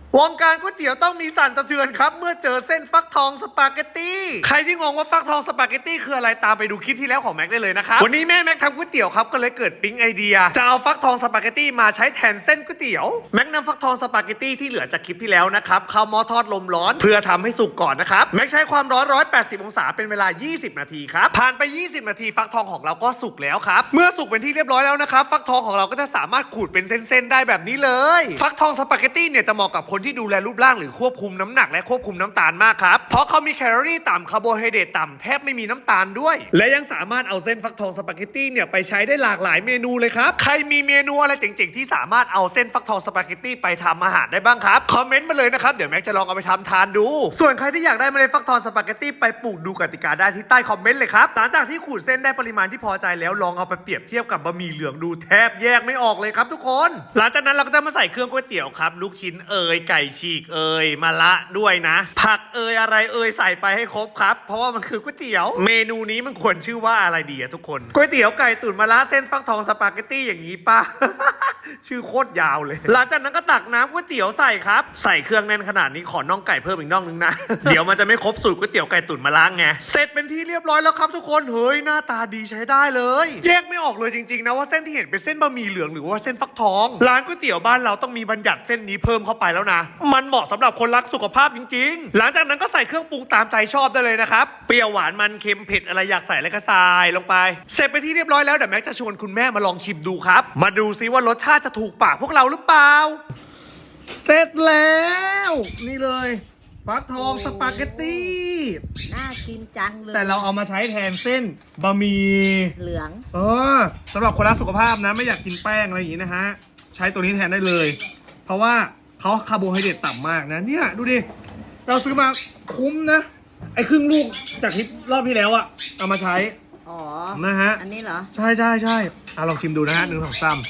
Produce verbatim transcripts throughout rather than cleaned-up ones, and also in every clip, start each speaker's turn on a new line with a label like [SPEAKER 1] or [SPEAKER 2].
[SPEAKER 1] วงการก๋วยเตี๋ยวต้องมีสั่นสะเทือนครับเมื่อเจอเส้นฟักทองสปาเกตตี้ใครที่งงว่าฟักทองสปาเกตตี้คืออะไรตามไปดูคลิปที่แล้วของแม็กได้เลยนะครับวันนี้แม่แม็กทำก๋วยเตี๋ยวครับก็เลยเกิดปิ๊งไอเดียจะเอาฟักทองสปาเกตตี้มาใช้แทนเส้นก๋วยเตี๋ยวแม็กนำฟักทองสปาเกตตี้ที่เหลือจากคลิปที่แล้วนะครับเข้าหม้อทอดลมร้อนเพื่อทำให้สุกก่อนนะครับแม็กใช้ความร้อนหนึ่งร้อยแปดสิบองศาเป็นเวลายี่สิบนาทีครับผ่านไปยี่สิบนาทีฟักทองของเราก็สุกแล้วครับเมื่อสุกเป็นที่เรียบร้อยแล้วนะครับฟักทองของเราก็จะสามารถขูดเป็นเส้นๆได้แบบนี้เลยฟักทองสปาเกตตี้เนี่ยจะเหมาะกับคนที่ดูแลรูปร่างหรือควบคุมน้ำหนักและควบคุมน้ำตาลมากครับเพราะเขามีแคลอรี่ต่ำคาร์โบไฮเดรตต่ำแทบไม่มีน้ำตาลด้วยและยังสามารถเอาเส้นฟักทองสปาเกตตี้เนี่ยไปใช้ได้หลากหลายเมนูเลยครับใครมีเมนูอะไรเจ๋งๆที่สามารถเอาเส้นฟักทองสปาเกตตี้ไปทำอาหารได้บ้างครับคอมเมนต์มาเลยนะครับเดี๋ยวแม็กจะลองเอาไปทำทานดูส่วนใครที่อยากได้เมล็ดฟักทองสปาเกตตี้ไปปลูกดูกติกาได้ที่ใต้คอมเมนต์เลยครับหลังจากที่ขูดเส้นได้ปริมาณที่พอใจแล้วลองเอาไปเปรียบเทียบกับบะหมี่เหลืองดูแทบแยกไม่ออกเลยครับทุกคนหลังจากนั้นเราก็จะมาใส่เครื่องก๋วยเตี๋ยวครับลูกชิ้นเอยไก่ฉีกเอยมะระด้วยนะผักเอยอะไรเอยใส่ไปให้ครบครับเพราะว่ามันคือก๋วยเตี๋ยวเมนูนี้มันควรชื่อว่าอะไรดีอะทุกคนก๋วยเตี๋ยวไก่ตุ๋นมะระเส้นฟักทองสปาเกตตี้อย่างนี้ป่ะ ชื่อโคตรยาวเลยหลังจากนั้นก็ตักน้ำก๋วยเตี๋ยวใส่ครับใส่เครื่องแน่นขนาดนี้ขอน่องไก่เพิ่มอีกน่องนึงนะ เดี๋ยวมันจะไม่ครบสูตรก๋วยเตี๋ยวไก่ตุ๋นมะระไงเสร็จเป็นที่เรียบร้อยแล้วครับทุกคนเฮ้ยหน้าตาดีใช้ได้เลยแยกไม่ออกเลยจริงๆนะว่าเส้นที่เห็นเป็นเส้นบะหมี่เหลืองหรือว่าเส้นฟักทองร้านก๋วยเตี๋ยวบ้านเราต้องมีบัญญัติเส้นนี้เพิ่มเข้าไปแล้วนะมันเหมาะสำหรับคนรักสุขภาพจริงๆหลังจากนั้นก็ใส่เครื่องปรุงตามใจชอบได้เลยนะครับเปรี้ยวหวานมันเค็มเผ็ดอะไรอยากใส่แล้วก็ใส่ลงไปเสร็จไปที่เรียบร้อยแล้วเดี๋ยวแม็กจะชวนคุณแม่มาลองชิมดูครับมาดูซิว่ารสชาติจะถูกปากพวกเราหรือเปล่าเสร็จแล้วนี่เลยฟักทองสปาเกตตี้
[SPEAKER 2] น่ากินจังเลย
[SPEAKER 1] แต่เราเอามาใช้แทนเส้นบะหมี่
[SPEAKER 2] เหลือง
[SPEAKER 1] เออสำหรับคนรักสุขภาพนะไม่อยากกินแป้งอะไรอย่างนี้นะฮะใช้ตัวนี้แทนได้เลยเพราะว่าเขาคาร์โบไฮเดรตต่ำมากนะเนี่ยดูดิเราซื้อมาคุ้มนะไอ้ครึ่งลูกจากที่รอบที่แล้วอะเอามาใช้
[SPEAKER 2] อ๋อ
[SPEAKER 1] นะฮะ
[SPEAKER 2] อันนี้เหรอ
[SPEAKER 1] ใช่ใช่ใช่อ่ะลองชิมดูนะฮะหนึ่งสองสาม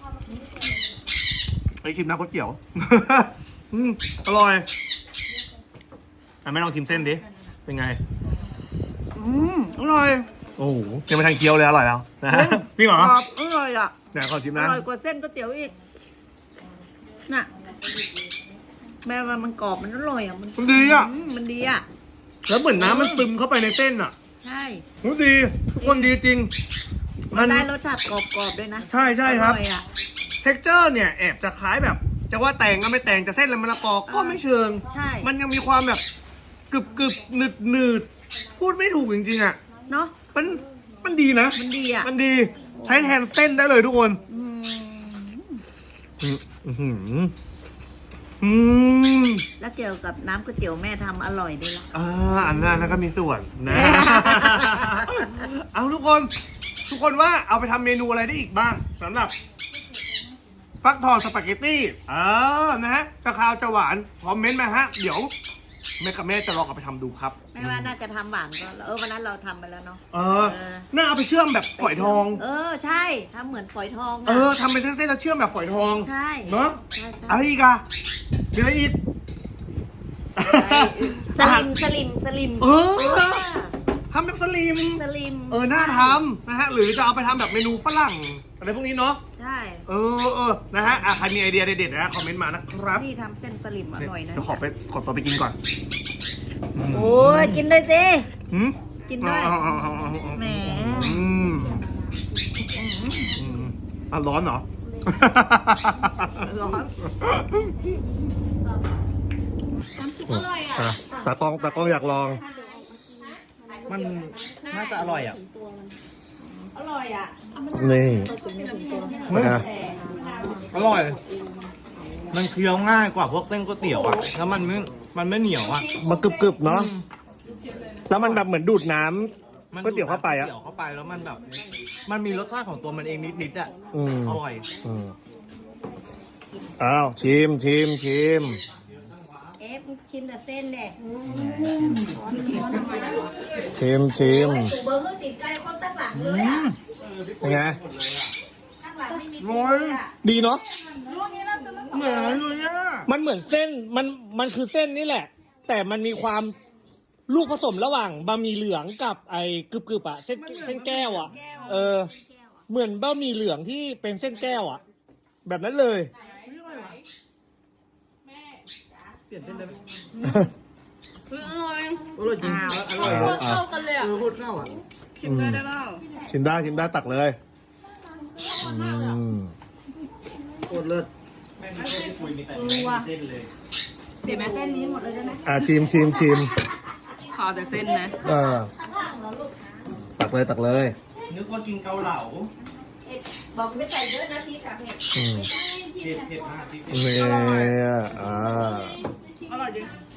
[SPEAKER 1] ไปชิมน้ำก๋วยเตี๋ยว อืมอร่อยอ่ะไม่ลองชิมเส้นดิเป็นไงอืมอร่อยโอ้โหยังไม่ทันเคี้ยวเลยอร่อยแล้วนะฮะจริงเหรอก
[SPEAKER 2] รอบอร่อยอ่ะ
[SPEAKER 1] เดี๋ยวขอชิม
[SPEAKER 2] อ
[SPEAKER 1] นะ
[SPEAKER 2] ร่อยกว่าเส้นก๋วยเตี๋ยวอีกน่ะแม่ว่ามันกรอบมันอร่อยอ่ะมัน
[SPEAKER 1] มันดีอ่ะ
[SPEAKER 2] มมันดีอ่ะ
[SPEAKER 1] แล้วเหมือนน้ำมันซึมเข้าไปในเส้นอ่ะ
[SPEAKER 2] ใช่
[SPEAKER 1] มันดีทุกคนดีจริง
[SPEAKER 2] มันได้รสชาติกรอบๆด้วยนะ
[SPEAKER 1] ใช่ใช่ครับ
[SPEAKER 2] อร่อยอ่ะ
[SPEAKER 1] เท็กเจอร์เนี่ยแอบจะคล้ายแบบจะว่าแต่งก็ไม่แต่งจะเส้นละมะละกอก็ไม่เชิง
[SPEAKER 2] ใช่
[SPEAKER 1] มันยังมีความแบบกรึบกรึบหนืดหนืดพูดไม่ถูกจริงๆอ่ะ
[SPEAKER 2] เนาะ
[SPEAKER 1] มันมันดีนะ
[SPEAKER 2] มันดีอ่ะ
[SPEAKER 1] มันดีใช้แทนเส้นได้เลยทุกคน
[SPEAKER 2] อืม
[SPEAKER 1] อืมอืมอืม
[SPEAKER 2] แล้วเกี่ยวกับน้ำก๋วยเตี๋ยวแม่ทำอร่อยด้วยล่ะ
[SPEAKER 1] อ่าอันนั้นก็มีส่วนนะ เอาทุกคน ทุกคนว่าเอาไปทำเมนูอะไรได้อีกบ้างสำหรับฟักทองสปาเกตตี้เออนะฮะจะคาวจะหวานคอมเมนต์มาฮะ เดี๋ยวแม่กับแม่จะลองเอาไปทำดูครับ
[SPEAKER 2] แม่ว่าน่าจะทำหวานก็เออวันนั้นเราทำไปแล้วเนาะ
[SPEAKER 1] เออน่าเอาไปเชื่อมแบบฝอยทอง
[SPEAKER 2] เออใช่ทำเหมือนฝอยทอง
[SPEAKER 1] เออทำเป็นเส้นๆแล้วเชื่อมแบบฝอยทอง
[SPEAKER 2] ใช่
[SPEAKER 1] เนาะ
[SPEAKER 2] ใช่ใช่
[SPEAKER 1] อะไรอีกอะมีอะไรอีก
[SPEAKER 2] สลิมสลิมสลิม
[SPEAKER 1] เออ ทำแบบสลิม
[SPEAKER 2] สลิม
[SPEAKER 1] เออ น่าทำนะฮะ หรือจะเอาไปทำแบบเมนูฝรั่งอะไรพวกนี้เนาะ
[SPEAKER 2] ใช่
[SPEAKER 1] เออเออนะฮะอ่ะใครมีไอเดียเด็ดๆนะคอมเมนต์มานะครับ
[SPEAKER 2] พี่ทำเส้นสลิมอร่อยนะ
[SPEAKER 1] เดี๋ยวขอไปขอตัวไปกินก่อน
[SPEAKER 2] โอ้ยกินเลยสิ
[SPEAKER 1] หืม
[SPEAKER 2] กินด้วย
[SPEAKER 1] เอาเอาเอาเอาเอา
[SPEAKER 2] แหม
[SPEAKER 1] อืมอืมอ่ะร้อนเหรอ
[SPEAKER 2] ร้อน
[SPEAKER 1] อ่ะตากล้องตากล้องอยากลอง
[SPEAKER 3] มันน่าจะอร่อยอ่ะ
[SPEAKER 2] อร่อยอ่ะ
[SPEAKER 1] นี่
[SPEAKER 3] เฮ้ย
[SPEAKER 1] นะ
[SPEAKER 3] อร่อย มันเคี้ยวง่ายกว่าพวกเส้นก๋วยเตี๋ยวอ่ะ แล้วมันไม่ มันไม่เหนียวอ่ะ
[SPEAKER 1] มันกรึบๆเนาะ แล้วมันแบบเหมือนดูดน้ำ
[SPEAKER 3] มัน
[SPEAKER 1] ก๋วยเตี๋ยวเข้าไปอะ
[SPEAKER 3] ก๋วยเตี๋ยวเข้าไปแล้วมันแบบ มันมีรสชาติของตัวมันเองนิดๆอ่ะ
[SPEAKER 1] อืม
[SPEAKER 3] อร่อย
[SPEAKER 1] อืมอ้าวชิมชิมชิม
[SPEAKER 2] เอฟชิมแต่เส้นเด็ก
[SPEAKER 1] ชิมชิม
[SPEAKER 2] เบอร์เพิ่งติดใจคนตั้งหลังเลยอ่ะ
[SPEAKER 1] เป็นไง
[SPEAKER 2] ตั้งหลังไม่มี
[SPEAKER 3] ร้อย
[SPEAKER 1] ดีเนาะ
[SPEAKER 3] เหมือนเลยอ่ะ
[SPEAKER 1] มันเหมือนเส้น มัน มันคือเส้นนี่แหละ แต่มันมีความลูกผสมระหว่างบะหมี่เหลืองกับไอ้กรึบๆอ่ะ เส้นเส้นแก้วอ่ะ เออ เหมือนบะหมี่เหลืองที่เป็นเส้นแก้วอ่ะ แบบนั้นเลย
[SPEAKER 3] ลี่ยนเส้นได้ไหม
[SPEAKER 2] อร่อย
[SPEAKER 3] อร่อยจริงอร่อย
[SPEAKER 4] อ่า
[SPEAKER 2] เข้ากันเลยอ่ะ
[SPEAKER 3] เออโคตรเข้าอ่ะ
[SPEAKER 2] ชิมได้ได้เปล่า
[SPEAKER 4] ชิมได้ชิมได้ตักเลยอืม
[SPEAKER 3] โคตรเลิศ
[SPEAKER 2] เออว่ะเดี๋ยวแม่เส้นนี้หมดเลยได้ไหม
[SPEAKER 4] อ่าชิมชิมชิม
[SPEAKER 2] ขอแต่เส้นนะ
[SPEAKER 4] อ่าตักเลยตักเลย
[SPEAKER 3] นึกว่ากินเกาเหลา
[SPEAKER 5] บอกไม่ใส่เยอะนะพี่กับเห็ด
[SPEAKER 4] อืม
[SPEAKER 3] เผ็ดเผ็ดมากจริง
[SPEAKER 4] เนี่ยอ่า
[SPEAKER 2] อร่อยจริง